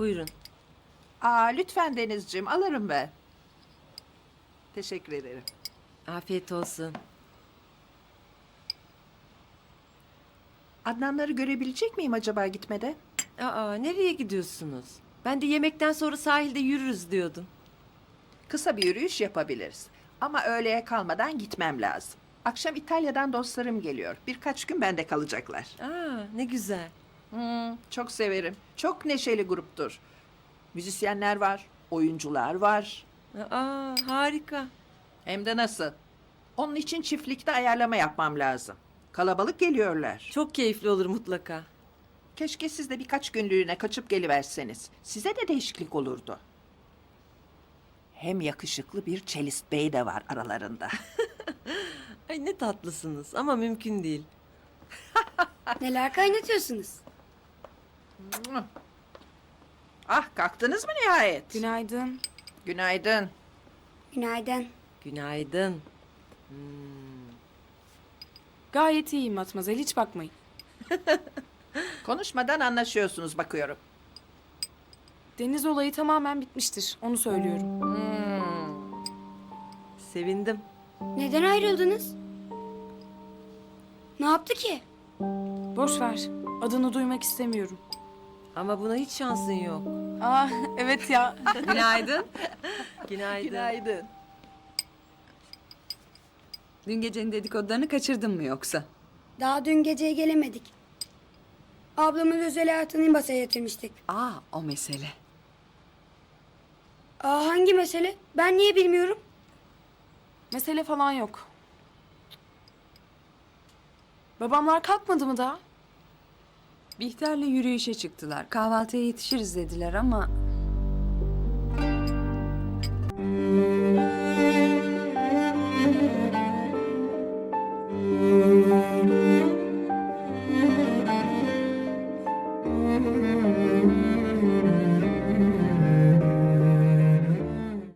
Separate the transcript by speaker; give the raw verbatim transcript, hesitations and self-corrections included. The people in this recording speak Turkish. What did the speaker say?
Speaker 1: Buyurun.
Speaker 2: Aa, lütfen Denizciğim, alırım ben. Teşekkür ederim.
Speaker 1: Afiyet olsun.
Speaker 2: Adnanları görebilecek miyim acaba gitmeden?
Speaker 1: Aa, nereye gidiyorsunuz? Ben de yemekten sonra sahilde yürürüz diyordum.
Speaker 2: Kısa bir yürüyüş yapabiliriz. Ama öğleye kalmadan gitmem lazım. Akşam İtalya'dan dostlarım geliyor. Birkaç gün bende kalacaklar.
Speaker 1: Aa, ne güzel.
Speaker 2: Hmm, çok severim. Çok neşeli gruptur. Müzisyenler var, oyuncular var.
Speaker 1: Aa, harika.
Speaker 2: Hem de nasıl? Onun için çiftlikte ayarlama yapmam lazım. Kalabalık geliyorlar.
Speaker 1: Çok keyifli olur mutlaka.
Speaker 2: Keşke siz de birkaç günlüğüne kaçıp geliverseniz. Size de değişiklik olurdu. Hem yakışıklı bir Çelist Bey de var aralarında.
Speaker 1: Ay ne tatlısınız ama mümkün değil.
Speaker 3: Neler kaynatıyorsunuz?
Speaker 2: Ah, kalktınız mı nihayet?
Speaker 4: Günaydın.
Speaker 2: Günaydın.
Speaker 3: Günaydın.
Speaker 1: Günaydın.
Speaker 4: Gayet iyiyim Matmazel, hiç bakmayın.
Speaker 2: Konuşmadan anlaşıyorsunuz bakıyorum.
Speaker 4: Deniz olayı tamamen bitmiştir, onu söylüyorum.
Speaker 1: Sevindim.
Speaker 3: Neden ayrıldınız? Ne yaptı ki?
Speaker 4: Boş ver, adını duymak istemiyorum.
Speaker 1: Ama buna hiç şansın yok.
Speaker 4: Aa, evet ya.
Speaker 1: Günaydın. Günaydın.
Speaker 2: Günaydın.
Speaker 5: Dün gecenin dedikodularını kaçırdın mı yoksa?
Speaker 3: Daha dün geceye gelemedik. Ablamın özel hayatını masaya yatırmıştık.
Speaker 5: Aa, o mesele.
Speaker 3: Aa, hangi mesele? Ben niye bilmiyorum?
Speaker 4: Mesele falan yok. Babamlar kalkmadı mı daha?
Speaker 5: Bihter'le yürüyüşe çıktılar. Kahvaltıya yetişiriz dediler ama...